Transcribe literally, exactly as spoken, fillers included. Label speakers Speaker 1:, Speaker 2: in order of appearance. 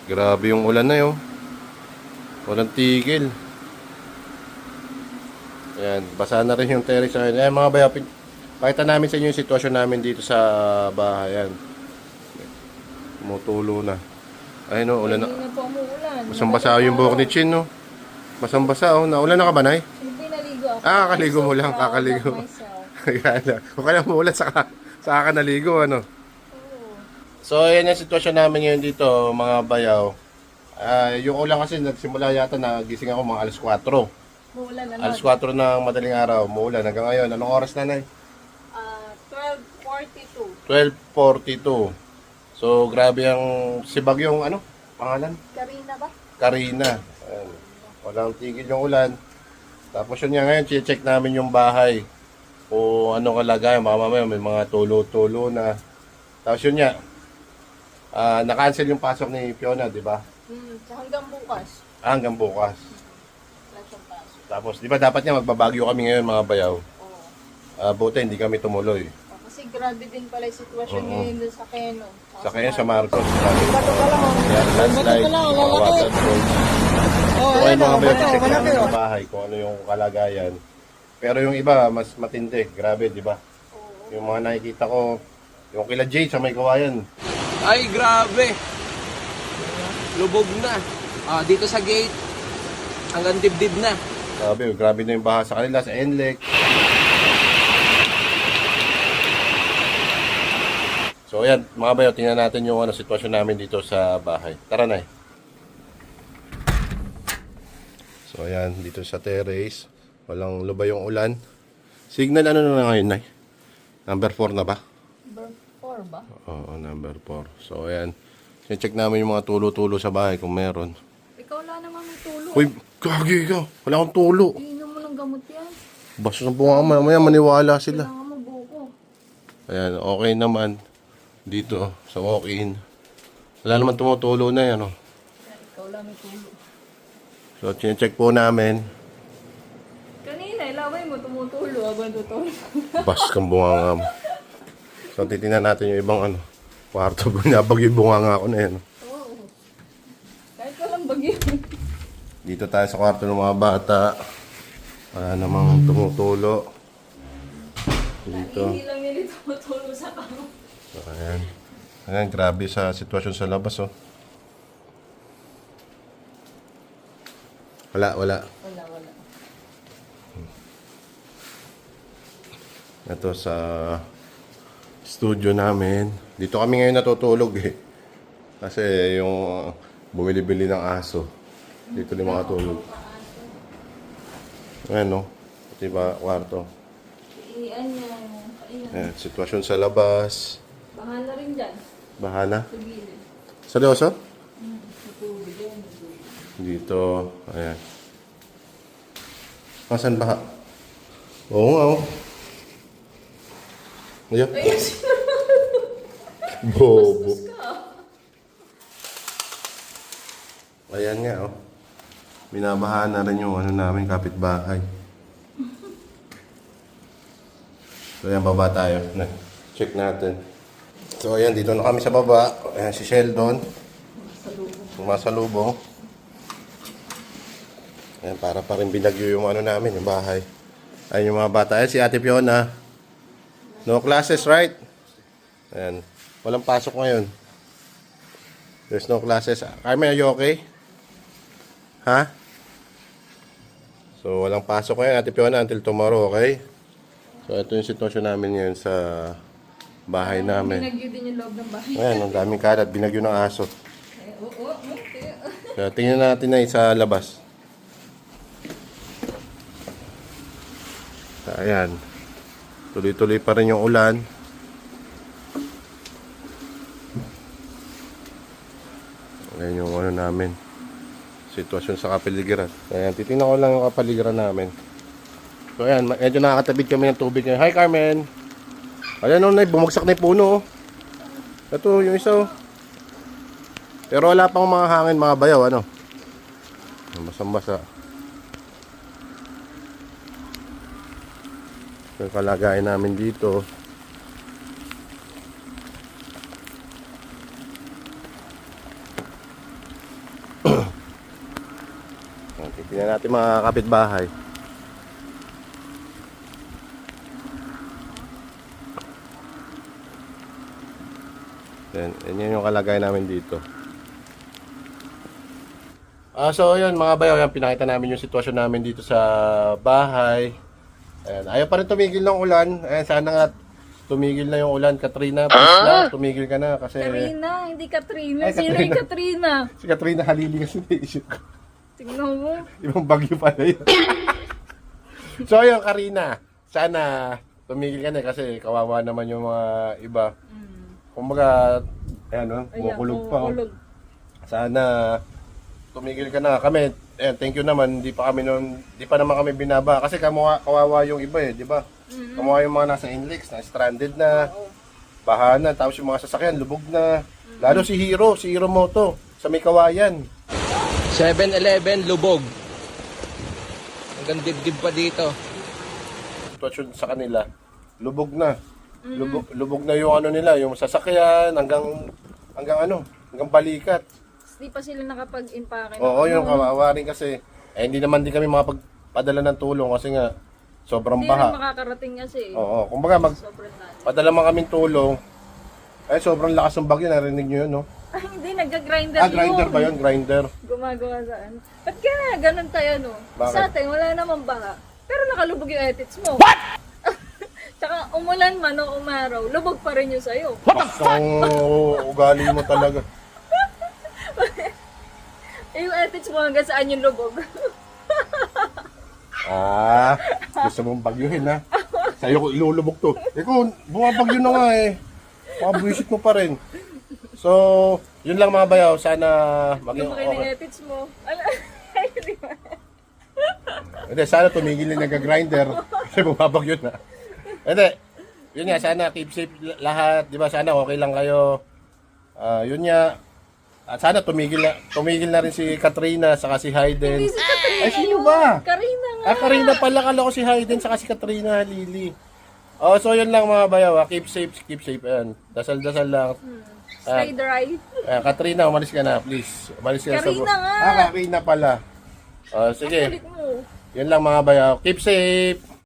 Speaker 1: Grabe yung ulan na yun. Walang tigil. Ayan, basa na rin yung terrace namin. Ayan mga bayaw, pakita namin sa inyo yung sitwasyon namin dito sa bahay. Ayan. Tumutulo na. Ayun o, ulan na.
Speaker 2: Hindi na po umuulan.
Speaker 1: Basang-basa yung buhok ni Chin, no? Basang-basa, oh. Naulan na ka ba, Nay?
Speaker 2: Hindi naligo ako.
Speaker 1: Ah, kakaligo mo lang,
Speaker 2: So proud
Speaker 1: kakaligo.
Speaker 2: of myself.
Speaker 1: Kaya kung kaya umuulan, saka, saka ka naligo, ano?
Speaker 2: Oo.
Speaker 1: So, ayan yung sitwasyon namin ngayon dito, mga bayaw. Ah, yung ulan kasi nagsimula yata na gising ako mga alas kwatro.
Speaker 2: Umuulan na
Speaker 1: Alas
Speaker 2: nun.
Speaker 1: kwatro ng madaling araw, umuulan hanggang ngayon. Anong oras na, Nay?
Speaker 2: Ah, twelve forty-two.
Speaker 1: twelve forty-two. So, grabe ang sibag yung ano? Pangalan?
Speaker 2: Karina ba?
Speaker 1: Karina. Ayan. Walang tigil yung ulan. Tapos yun nga ngayon, check namin yung bahay. Kung ano kalagayan, baka mamaya may mga tulo-tulo na. Tapos yun nga, ah, na-cancel yung pasok ni Fiona, di ba?
Speaker 2: Hmm, so hanggang bukas.
Speaker 1: Ah, hanggang bukas.
Speaker 2: Wala siyang pasok.
Speaker 1: Tapos, di ba dapat nga magbabagyo kami ngayon mga bayaw?
Speaker 2: Oo.
Speaker 1: Ah, buti, hindi kami tumuloy.
Speaker 2: Oh, kasi grabe din pala yung sitwasyon
Speaker 1: Oo.
Speaker 2: ngayon dun sa Keno.
Speaker 1: Sa kanya sa Marcos. Grabe.
Speaker 2: Bato ka lang.
Speaker 1: Yan, landslide, mga water flows.
Speaker 2: Oh,
Speaker 1: So, ayun mga bayaw,
Speaker 2: bato,
Speaker 1: check
Speaker 2: malaki,
Speaker 1: namin
Speaker 2: oh.
Speaker 1: sa bahay kung ano yung kalagayan. Pero yung iba, mas matindi. Grabe, di ba?
Speaker 2: Oo.
Speaker 1: Yung mga nakikita ko, yung kila Jay sa may kawayan.
Speaker 3: Ay, grabe. Lubog na. Ah, dito sa gate, hanggang dibdib na.
Speaker 1: Grabe, grabe na yung baha sa kanila, sa N L E C. So ayan, mga bayo, tingnan natin yung ano, sitwasyon namin dito sa bahay. Tara na eh. So ayan, dito sa terrace, walang lubay yung ulan. Signal ano na ngayon, Nay? Number four na ba?
Speaker 2: Number four ba?
Speaker 1: Oo, number four. So ayan, check namin yung mga tulo-tulo sa bahay kung meron.
Speaker 2: Ikaw wala namang may tulog.
Speaker 1: Uy, gagi ka. Wala akong tulo.
Speaker 2: Iinom mo ng gamot yan.
Speaker 1: Basta ng bunga mamaya maniwala sila.
Speaker 2: Kailangan mo buko.
Speaker 1: Ayan, okay naman. Dito, sa walk-in. Wala naman tumutulo na yan, oh.
Speaker 2: Yan, ikaw lang may tulog.
Speaker 1: So, chinecheck po namin.
Speaker 2: Kanina, ilaway mo tumutulo. Abang tutulog.
Speaker 1: Bas kang bunganga mo. So, titingnan natin yung ibang ano. Kwarto, binabag yung bunganga ko na yan.
Speaker 2: Oo. Kahit walang bagyo.
Speaker 1: Dito tayo sa kwarto ng mga bata. Wala namang tumutulo. Dito.
Speaker 2: Hindi lang nila tumutulo sa kamo.
Speaker 1: So, ayan. Ayan, grabe sa sitwasyon sa labas, oh. Wala, wala.
Speaker 2: Wala, wala.
Speaker 1: Ito sa studio namin. Dito kami ngayon natutulog eh. Kasi yung bumili-bili ng aso. Dito din makatulog. Ayan, no? Diba, kwarto.
Speaker 2: Iian niya. Kainan.
Speaker 1: Ayan, sitwasyon sa labas.
Speaker 2: Bahala rin dyan.
Speaker 1: Bahana.
Speaker 2: Sa gilid.
Speaker 1: Seryoso?
Speaker 2: Hmm. Natulog yan.
Speaker 1: Dito. Ayan. Masan baha? Oo nga, oh. Ayan.
Speaker 2: Ayun.
Speaker 1: Bobo.
Speaker 2: ka.
Speaker 1: Ayan nga, oh. Binabahaan na rin yung ano namin, kapitbahay. So, ayan, baba tayo. Na, check natin. So, ayan, dito na kami sa baba. Ayan, si Sheldon. Sumasalubong. Ayan, para pa rin binagyo yung ano namin, yung bahay. Ayan yung mga bata. Ayan, si Ate Fiona. No classes, right? Ayan. Walang pasok ngayon. There's no classes. Carmen, are you okay? Ha? So, walang pasok ngayon, Ate Fiona, until tomorrow, okay? So, ito yung sitwasyon namin ngayon sa bahay namin.
Speaker 2: Binagyo din yung loob ng bahay.
Speaker 1: Ayan, ang daming kalat. Binagyo ng aso.
Speaker 2: Eh, oo, okay.
Speaker 1: So, tingnan natin na sa labas. So, ayan. Tuloy-tuloy pa rin yung ulan. Ayan yung ano namin. Sitwasyon sa kapaligiran. Ayan, titingnan ko lang yung kapaligiran namin. So ayan, medyo nakakatabid kami ng tubig ngayon. Hi Carmen! Ayan o, bumagsak na yung puno. Oh. Ito yung isa. Oh. Pero wala pang mga hangin, mga bayaw. Ano? Basang-basa. Yung kalagayan namin dito. Tingnan natin mga kapitbahay. Yan, yan yung kalagayan namin dito. Ah, so ayun mga bayaw, yan, pinakita namin yung sitwasyon namin dito sa bahay. Ayan, ayaw pa rin tumigil ng ulan. Ayan, sana nga tumigil na yung ulan. Katrina, please lang, tumigil ka na kasi...
Speaker 2: Karina, hindi Katrina.
Speaker 1: Ay,
Speaker 2: Sino
Speaker 1: Katrina.
Speaker 2: yung Katrina?
Speaker 1: Si Katrina Halili kasi naisip ko.
Speaker 2: Tingnan mo.
Speaker 1: Ibang bagyo pala yun. So ayun, Karina, sana tumigil ka na kasi kawawa naman yung mga iba.
Speaker 2: Mm.
Speaker 1: Kumbaga, ayan o,
Speaker 2: Ayan,
Speaker 1: kumukulog pa. Oh.
Speaker 2: kumukulog.
Speaker 1: Sana tumigil ka na. Kami, ayan, thank you naman, di pa kami noon, di pa naman kami binaba. Kasi kamuha, kawawa yung iba eh, di ba?
Speaker 2: Mm-hmm.
Speaker 1: Kamuha yung mga nasa Inlex, na stranded na,
Speaker 2: Oo.
Speaker 1: bahana, tapos yung mga sasakyan, lubog na. Lalo si Hero, si Hero Moto, sa may kawayan.
Speaker 3: seven eleven lubog. Hanggang dibdib pa dito.
Speaker 1: Sitwasyon sa kanila, lubog na. Lubog, lubog na yung ano nila, yung sasakyan, hanggang, hanggang ano, hanggang balikat.
Speaker 2: Di pa sila nakapag-impake.
Speaker 1: Oo, yung kawawa rin kasi. Eh, hindi naman din kami makapagpadala ng tulong kasi nga, sobrang
Speaker 2: Hindi rin
Speaker 1: baha.
Speaker 2: makakarating kasi.
Speaker 1: Oo, kumbaga
Speaker 2: Sobrang lalim.
Speaker 1: magpadala man kaming tulong. Eh, sobrang lakas ng bagyo, narinig nyo yun, no?
Speaker 2: Ay, hindi, nagga-grinder
Speaker 1: Ah, grinder
Speaker 2: yun.
Speaker 1: ba yun? Grinder.
Speaker 2: Gumagawa saan? Ba't kaya ganun tayo, no?
Speaker 1: Bakit?
Speaker 2: Sa atin, wala namang baha. Pero nakalubog yung edits mo. What? Tsaka umulan man o umaraw, lubog pa rin yung sa'yo.
Speaker 1: Ang ugali mo talaga.
Speaker 2: Eh, yung edits mo hanggang saan yung lubog?
Speaker 1: Ah, gusto mong bagyuhin, ha? Sa'yo ko ilulubog to. Ikaw, bumabagyo na nga eh. Makabuisit mo pa rin. So, yun lang mga bayaw. Sana maging
Speaker 2: Lumaki na yung
Speaker 1: okay.
Speaker 2: edits mo. Ala, ay, di ba?
Speaker 1: Hindi, sana tumigil na nag-grinder. Kasi bumabagyo na. Hindi, yun nga, sana keep safe lahat. Di ba, sana okay lang kayo. Ah, yun nga. At sana tumigil na, tumigil na rin si Katrina saka si Hayden.
Speaker 2: Hindi si Katrina
Speaker 1: Ay, sino
Speaker 2: yun.
Speaker 1: ba?
Speaker 2: Karina nga.
Speaker 1: Ah, Karina pala, kala ko si Hayden saka si Katrina Lily. Oh, so yun lang mga bayaw. ah. Keep safe, keep safe. Ayan. Dasal-dasal lang.
Speaker 2: Stay dry.
Speaker 1: Ayan, Katrina, umalis ka na, please. Umalis ka na sa...
Speaker 2: Karina nga.
Speaker 1: Ah, Karina pala. Oh, sige.
Speaker 2: Kulit mo.
Speaker 1: Yun lang mga bayaw. Keep safe.